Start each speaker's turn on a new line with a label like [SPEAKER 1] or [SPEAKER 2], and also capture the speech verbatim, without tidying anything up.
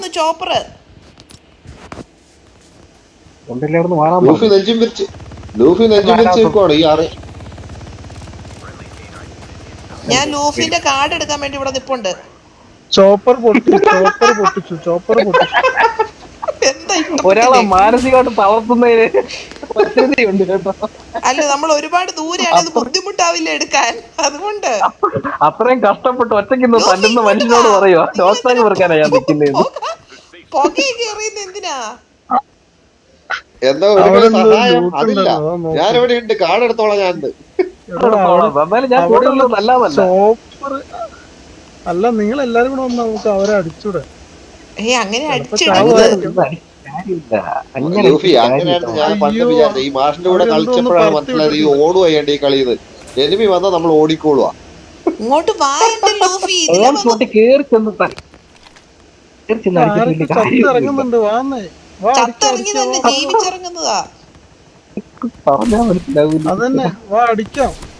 [SPEAKER 1] Chopper
[SPEAKER 2] Luffy നെഞ്ചും പിരിച്ച് Luffy നെഞ്ചും പിരിച്ച് നിൽക്കുവാണ് ഈ ആറ്.
[SPEAKER 1] ഞാൻ ലൂഫിന്റെ കാർഡ് എടുക്കാൻ വേണ്ടി ഇവിടെ നിപ്പുണ്ട്.
[SPEAKER 3] ചോപ്പർ പൊട്ടിച്ചു ചോപ്പർ പൊട്ടിച്ചു ചോപ്പർ പൊട്ടിച്ചു.
[SPEAKER 1] എന്താ
[SPEAKER 4] ഒരാളെ മാനസികമായിട്ട് തളർത്തുന്നതിന് ഉണ്ട് കേട്ടോ.
[SPEAKER 1] അല്ല, നമ്മൾ ഒരുപാട് ദൂരെയാണ്, ഇത് ബുദ്ധിമുട്ടാവില്ല എടുക്കാൻ. അതുകൊണ്ട്
[SPEAKER 4] അത്രയും കഷ്ടപ്പെട്ട് ഒറ്റയ്ക്ക് തല്ലുന്ന മനുഷ്യനോട് പറയുവാ ഡോക്ടറെ വെറുക്കാനാ ഞാൻ നിൽക്കുന്നത്.
[SPEAKER 1] പുകയൊക്കെ എറിയുന്ന എന്തിനാ?
[SPEAKER 2] എന്താ ഒരു സഹായം അതില്ല. ഞാൻ ഇവിടെ ഉണ്ട്, കാർഡ് എടുത്തോളാം. ഞാൻ
[SPEAKER 4] എന്നാലും ഞാൻ കൂടുതലൊന്നും നല്ലതല്ല.
[SPEAKER 3] ചോപ്പർ അല്ല, നിങ്ങൾ എല്ലാരും കൂടെ വന്ന് നമുക്ക് അവരെ അടിച്ചൂടെ?
[SPEAKER 1] ഏ അങ്ങനെ
[SPEAKER 2] ലൂഫി അങ്ങനെയായിരുന്നു ഞാൻ പണ്ട് വിചാരിച്ചത്. ഈ മാഷിന്റെ കൂടെ കളിച്ചപ്പോഴാണ് മനസ്സിലായത് ഈ ഓടുക ചെയ്യേണ്ട ഈ കളിയത്. എനിമി വന്നാൽ നമ്മൾ ഓടിക്കോളുക.
[SPEAKER 1] ഇങ്ങോട്ട് ലൂഫി
[SPEAKER 3] ഇറങ്ങുന്നുണ്ട്. വാന്നേ
[SPEAKER 1] ചത്തിറങ്ങി ജീവിച്ചിറങ്ങുന്നതാ.
[SPEAKER 4] പറഞ്ഞാ മനസ്സിലാവൂല.
[SPEAKER 3] അതന്നെ, വാ അടിക്കാം.